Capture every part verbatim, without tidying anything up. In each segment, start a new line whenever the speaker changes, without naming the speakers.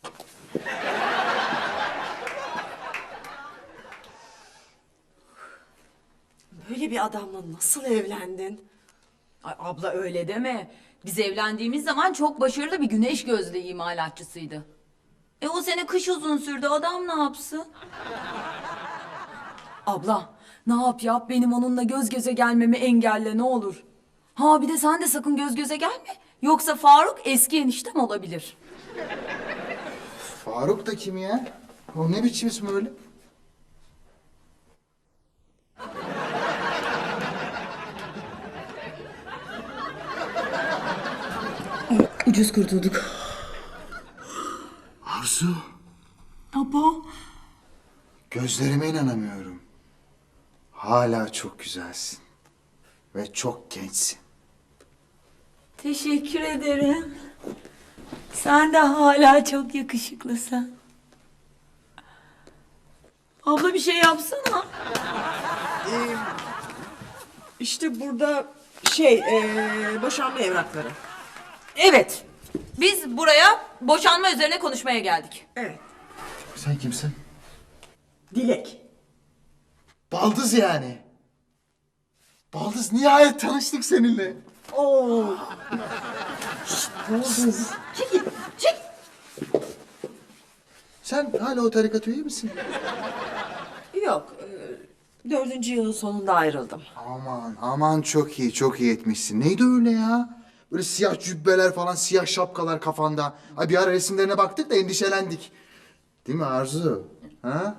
Böyle bir adamla nasıl evlendin?
Ay abla öyle deme. Biz evlendiğimiz zaman çok başarılı bir güneş gözlüğü imalatçısıydı. E o sene kış uzun sürdü, adam ne yapsın? Abla ne yap yap benim onunla göz göze gelmemi engelle ne olur. Ha bir de sen de sakın göz göze gelme. Yoksa Faruk eski eniştem olabilir.
Faruk da kim ya? O ne biçim ismi öyle?
Ucuz kurtulduk.
Arzu,
Abo.
gözlerime inanamıyorum. Hala çok güzelsin. Ve çok gençsin.
Teşekkür ederim. Sen de hala çok yakışıklısın. Abla bir şey yapsana.
Ee, işte burada şey, ee, boşanma evrakları.
Evet. Biz buraya boşanma üzerine konuşmaya geldik.
Evet.
Sen kimsin?
Dilek.
Baldız yani. Baldız, nihayet tanıştık seninle.
Oo. Şşt, Baldız. Çekil, çek.
Sen hala o tarikat üye misin?
Yok, ee, dördüncü yılın sonunda ayrıldım.
Aman aman, çok iyi çok iyi etmişsin. Neydi öyle ya? Böyle siyah cübbeler falan, siyah şapkalar kafanda. Ay bir ara resimlerine baktık da endişelendik. Değil mi Arzu? Ha?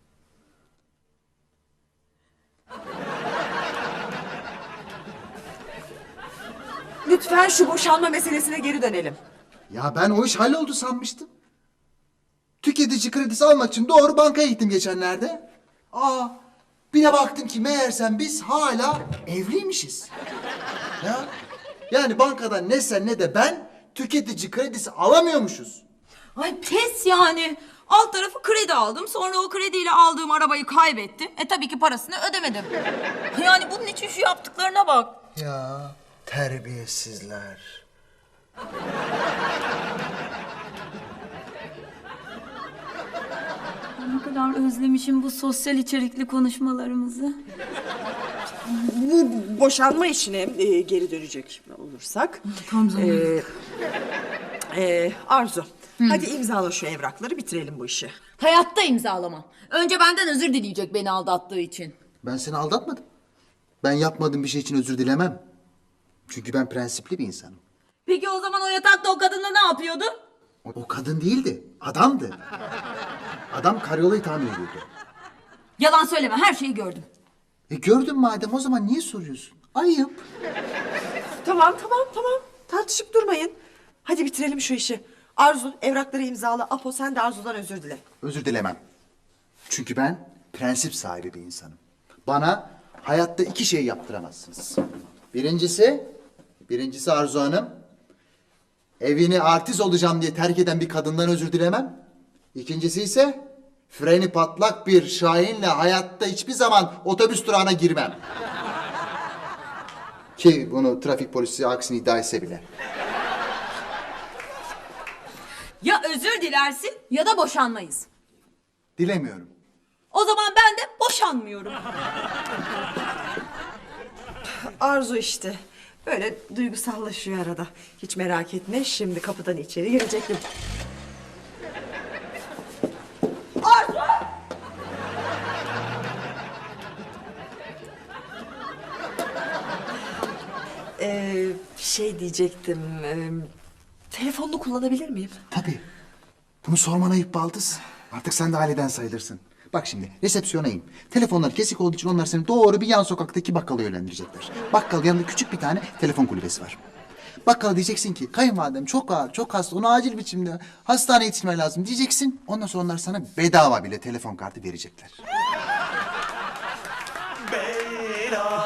Lütfen şu boşanma meselesine geri dönelim.
Ya ben o iş halloldu sanmıştım. Tüketici kredisi almak için doğru bankaya gittim geçenlerde. Aa, bir de baktım ki meğersem biz hala evliymişiz. Ya, yani bankadan ne sen ne de ben tüketici kredisi alamıyormuşuz.
Ay pes yani. Alt tarafı kredi aldım. Sonra o krediyle aldığım arabayı kaybettim. E tabii ki parasını ödemedim. Yani bunun için şu yaptıklarına bak.
Ya terbiyesizler.
Ne kadar özlemişim bu sosyal içerikli konuşmalarımızı.
Bu boşanma işine ee, geri dönecek olursak.
Tam zamanı.
Ee, ee, Arzu, hadi imzala şu evrakları, bitirelim bu işi.
Hayatta imzalamam. Önce benden özür dileyecek beni aldattığı için.
Ben seni aldatmadım. Ben yapmadığım bir şey için özür dilemem. Çünkü ben prensipli bir insanım.
Peki o zaman o yatakta o kadınla ne yapıyordu?
O, o kadın değildi, adamdı. Adam karyolayı tamir ediyordu.
Yalan söyleme, her şeyi gördüm.
E gördün madem, o zaman niye soruyorsun? Ayıp.
Tamam, tamam, tamam. Tartışıp durmayın. Hadi bitirelim şu işi. Arzu, evrakları imzala. Apo, sen de Arzu'dan özür dile.
Özür dilemem. Çünkü ben prensip sahibi bir insanım. Bana hayatta iki şey yaptıramazsınız. Birincisi, birincisi Arzu Hanım, evini artist olacağım diye terk eden bir kadından özür dilemem. İkincisi ise freni patlak bir Şahin'le hayatta hiçbir zaman otobüs durağına girmem. Ki bunu trafik polisi aksini iddia etse bile.
Ya özür dilersin ya da boşanmayız.
Dilemiyorum.
O zaman ben de boşanmıyorum.
Arzu işte. Böyle duygusallaşıyor arada. Hiç merak etme. Şimdi kapıdan içeri girecektim. Arzu! Ee, şey diyecektim. E, telefonunu kullanabilir miyim?
Tabii. Bunu sorman ayıp Baldız. Artık sen de aileden sayılırsın. Bak şimdi resepsiyona in. Telefonlar kesik olduğu için onlar seni doğru bir yan sokaktaki bakkala yönlendirecekler. Bakkal yanında küçük bir tane telefon kulübesi var. Bakkala diyeceksin ki kayınvalidem çok ağır, çok hasta, onu acil biçimde hastaneye yetişmen lazım diyeceksin. Ondan sonra onlar sana bedava bile telefon kartı verecekler.